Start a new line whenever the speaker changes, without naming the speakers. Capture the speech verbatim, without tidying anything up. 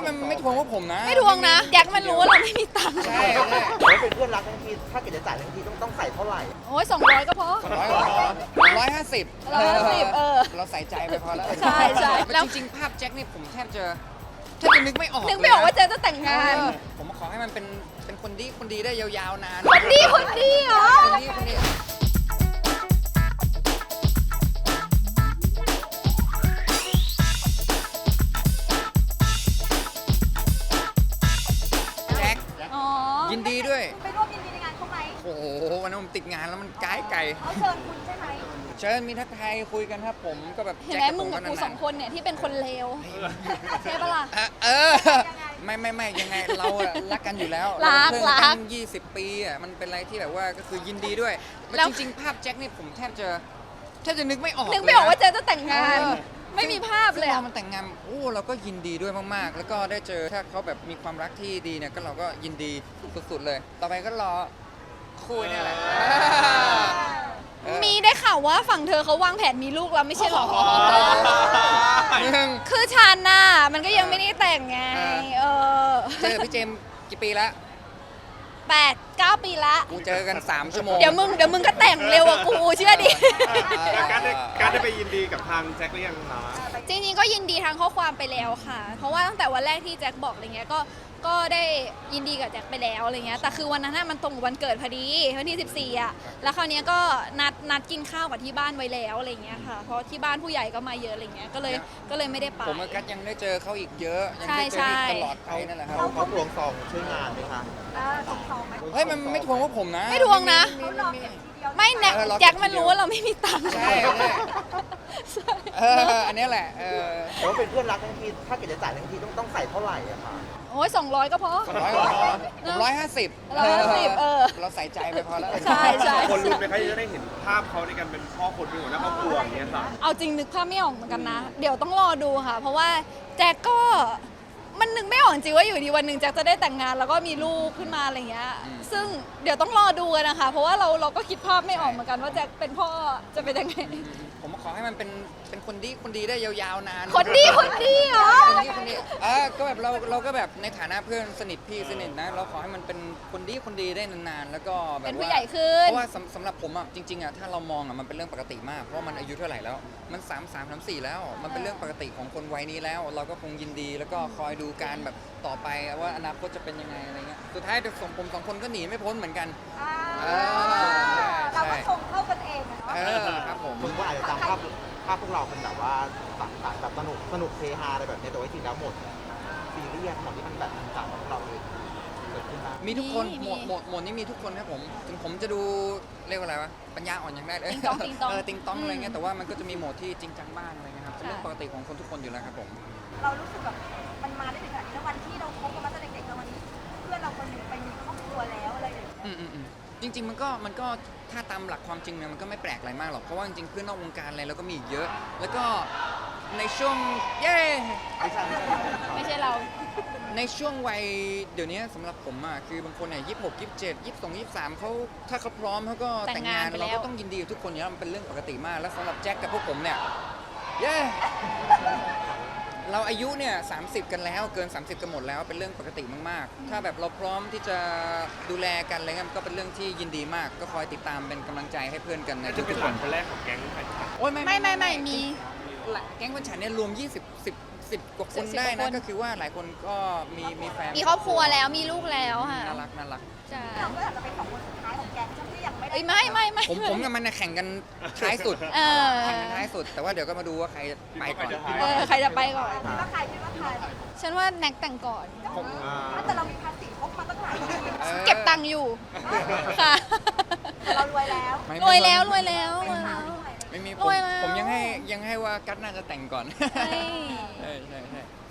มันไม่ทวงว่าผมนะ
ไม่ทวงนะแจ็คมันรู้ว่าเราไม่มีตังค์
ใช่ใช่
โอ้ยเป็นเพื่อนรักทั้งทีถ้าเกิดจะจ่ายทั้งทีต้องต้องใส่เท่าไหร่
โอ้ยสองร้อยก็พอ
ร้อยร้อยห้าสิบ
ร้อยห้าสิบเออ
เราใส่ใจไปพอแล้ว
ใช่ใช่แล้ว
จริงๆภาพแจ็คนี่ผมแทบจะแทบจะนึกไม่ออก
นึกไม่ออกว่าเจ๊จะแต่งงาน
เออผมขอให้มันเป็นเป็นคนดีคนดีได้ยาวๆนาน
คนดีคนดีเหรอ
คนดีคนดีแจ็ค
อ๋อ
ยินดีด้วย
ไปร่วมยินดีในงานเขาไหม
โอ้โหวันนั้นผมติดงานแล้วมันไกลไกล
เขาเชิญคุณใช่ไหม
เชิญมีทักทายคุยกันครับผมก็แบบ
เห็น
แจ็ค
ไหมมึงกับกู
ผ
สองคนเนี่ยที่เป็นคนเลวใช่ปะล่ะ
เออเออไม่ไม่ไม่ยังไงเราอะรักกันอยู่แล้ว
รัก
เาเป็น
รั
เพื่อน
ก
นยี่สิบปีอะมันเป็นอะไรที่แบบว่าก็คือยินดีด้วย
แล้
แล้ว
ว
จริงๆภาพแจ็คนี่ผมแทบจะแทบจะนึกไม่ออก
นึกไม่ออกว่า
เลยะ
เจ๊จะแต่งงาน
เออ
ไม่มีภาพเลย
ซึ่ง
อะ
เรามันแต่งงานโอ้เราก็ยินดีด้วยมากๆ แล้วก็ได้เจอถ้าเขาแบบมีความรักที่ดีเนี่ยก็เราก็ยินดีสุดๆเลย ต่อไปก็รอคุยเนี่ยแหละเออ
มีได้ข่าวว่าฝั่งเธอเขาวางแผนมีลูกแล้วไม่ใช่หรอ
มึง
คือฉันน่ะมันก็ยังไม่ได้แต่งไง เออ
เจอพี่เจมส์กี่ปีแล้ว
แปดเก้าปีละ
กูเจอกันสามชั่วโมง
เดี๋ยวมึงเดี๋ยวมึงก็แต่งเร็วกว่ากูเชื่อดิ
แล้วการได้การได้ไปยินดีกับทางแจ็คหรือยังคะ
จริงๆก็ยินดีทางข้อความไปแล้วค่ะ เพราะว่าตั้งแต่วันแรกที่แจ็คบอกอะไรเงี้ยก็ก็ได้ยินดีกับแจ็คไปแล้วอะไรเงี้ยแต่คือวันนั้นน่ะมันตรงกับวันเกิดพอดีวันที่สิบสี่อ่ะแล้วคราวเนี้ยก็นัดนัดกินข้าวกับที่บ้านไว้แล้วอะไรเงี้ยค่ะเพราะที่บ้านผู้ใหญ่ก็มาเยอะอะไรเงี้ยก็เลยก็เลยไม่ได้ไป
ผมกับกัสยังได้เจอเขาอีกเยอะยัง
ใช่
ได้เจอ
ใช่
อีกตลอดไปนั่นแหละครับ
เขาเขาทวงซองช่วยงานไหมคะ
เออสองสองไหม
เฮ้ยมันไม่ทวงว่าผมนะ
ไม่ทวงนะ
เขารอเก็บทีเดียว
ไม่แน็ก
เออเรา
แจ็คมันรู้ว่าเราไม่มีตังค์
ใช่ใช่เอออันนี้แหละเออ
แต่ว่าเป็นเพื่อนรักทั้งทีถ้าเกิดจะจ่ายทั้งทีต้องต้องใส่เท่าไหร่อะคะ
โอ้ยสองร้อยก็พอ
ร้อยผมร้อยห้าสิบ
ร้อยห้าสิบเออ
เราใส่ใจไปพอแล้ว
ใช่ใช่
คนรู้ไหมคะที่จะได้เห็นภาพเขาในการเป็นพ่อคนเป็นหัวหน้าครอบครัวอย่างเงี้ยค่ะ
เอาจริงนึกภาพไม่ออกเหมือนกันนะ เดี๋ยวต้องรอดูค่ะ เพราะว่าแจ็คก็มันนึกไม่ออกจริงว่าอยู่ดีวันหนึ่งแจ็คจะได้แต่งงานแล้วก็มีลูกขึ้นมาอะไรเงี้ย ซึ่งเดี๋ยวต้องรอดูกันนะคะ เพราะว่าเราเราก็คิดภาพไม่ออกเหมือนกันว่าแจ็คเป็นพ่อจะเป็นยังไง
ผมขอให้มันเป็นเป็นคนดีคนดีได้ยาวๆนาน
คนดีคนดีเหรอ
คนดีคนดีเออก็แบบเราเราก็แบบในฐานะเพื่อนสนิทพี่สนิทนะ เราขอให้มันเป็นคนดีคนดีได้นานๆแล้วก็แบบว่า
เป็นผู้ใหญ่ขึ้น
เพราะว่าสำสำหรับผมอ่ะจริงๆอ่ะถ้าเรามองอ่ะมันเป็นเรื่องปกติมากเพราะมันอายุเท่าไหร่แล้วมันสามสามสามสี่แล้ว มันเป็นเรื่องปกติของคนวัยนี้แล้ว เราก็คงยินดีแล้วก็คอยดูการแบบต่อไปว่าอนาคตจะเป็นยังไงอะไรเงี้ยสุดท้ายเด็กสองผมสองคนก็หนีไม่พ้นเหมือนกัน
อ่า
เออ
เรา
ใช่
ก็ชงเข้ากันเองอะเนาะ
เออครับผม
คนก็อาจจะจำภาพภาพพวกเราเป็นแบบว่าสังสรรค์แบบสนุกสนุกเฮฮาอะไรแบบนี้แต่ว่าจริงแล้วหมดซีเรียสหมดที่มันแบบต่างๆของเราเลยเกิดขึ้นได้
มีทุกคน
มี
หมวดหมวดหมวดนี้มีทุกคนครับผมถึงผมจะดูเรียกว่าอะไรวะปัญญาอ่อนยังได้เลย
ติ๊งต๊องติ๊งต๊อง
เออติงต้องอะไรเงี้ย
อืม
แต่ว่ามันก็จะมีโหมดที่จริงจังบ้างอะไรเงี้ยครับเป็นเรื่อง
ค่ะ
ปกติของคนทุกคนอยู่แล้วครับผม
เรารู้สึกแบบมันมาได้ถึงขนาดนี้แล้ววันที่เราคบกันมาตั้งแต่เด็กๆแล้ววันนี้เพื่อนเราคนหนึ่งไปมีครอบครัวแล้วอะไรอย่างเงี้ย
อืมอืมอืมจริง ๆ มันก็มันก็ถ้าตามหลักความจริงเนี่ยมันก็ไม่แปลกอะไรมากหรอกเพราะว่าจริงๆเพื่อนนอกวงการอะไรเราก็มีอีกเยอะ แล้วก็ในช่วงเย้
ไม่ใช่เรา
ในช่วงวัยเดี๋ยวนี้สำหรับผมอ่ะคือบางคนเนี่ยยี่สิบหกยี่สิบเจ็ดยี่สิบสองยี่สิบสามเขาถ้าเขาพร้อมเขาก็
แต่
แต่ง
งงาง
าน น
ไปแล้ว
เราก็ต้องยินดีกับทุกคนอยู่แล้วมันเป็นเรื่องปกติมาก แล้วสำหรับแจ็คกับพวกผมเนี่ยเย้เราอายุเนี่ยสามสิบกันแล้วเกิน สามสิบกันหมดแล้วเป็นเรื่องปกติมากๆ ถ้าแบบเราพร้อมที่จะดูแลกันอะไรเงี้ยมันก็เป็นเรื่องที่ยินดีมาก ก็คอยติดตามเป็นกำลังใจให้เพื่อนกันใน
น่า
ทุ
จะ
ก
เป็น
ๆ
ห
ค
ลาน นคนแรกของแก๊งใครครับ
โอ้ยไม่
ไม่ไม่ไม่มี
แก๊งคนฉันเนี่ยรวมยี่สิบ สิบ สิบกว่าคน
สิบ
ได้
กว่า
นะ
คน
ก็คือว่าหลายคนก็มีมีแฟน
มีครอบครัวแล้วมีลูกแล้วค่ะ
น่ารักน่ารัก
ใช่
เราก็อาจจะเป็นสองคนสุดท้ายของแก๊งที่ยังไม่ได้
เอ้ยไม่ไม่ไม่
ผมผมกับมันน่ะแข่งกันท้ายสุด
เออ
แข่งกันท้ายสุด แต่ว่าเดี๋ยวก็มาดูว่าใครไปก่อน
เออใครจะไปก่อน
คิดว่าใครคิดว่าใคร
ฉันว่าแน็กแต่งก่อน
ผม
แต่เรามีภาษีครบมาตั้งหลายปี
ออ
เก็บตังค์อยู่ ค่ะ
แต่เรารวยแล้ว
ไม่
รวยแล้วรวยแล้วรวยแล้ว
ไม่มีผ
ร
ม
วยแล้ว
ผมยังให้ยังให้ว่ากัตน่าจะแต่งก่อน
ใช่
ใช่ใช่ใช่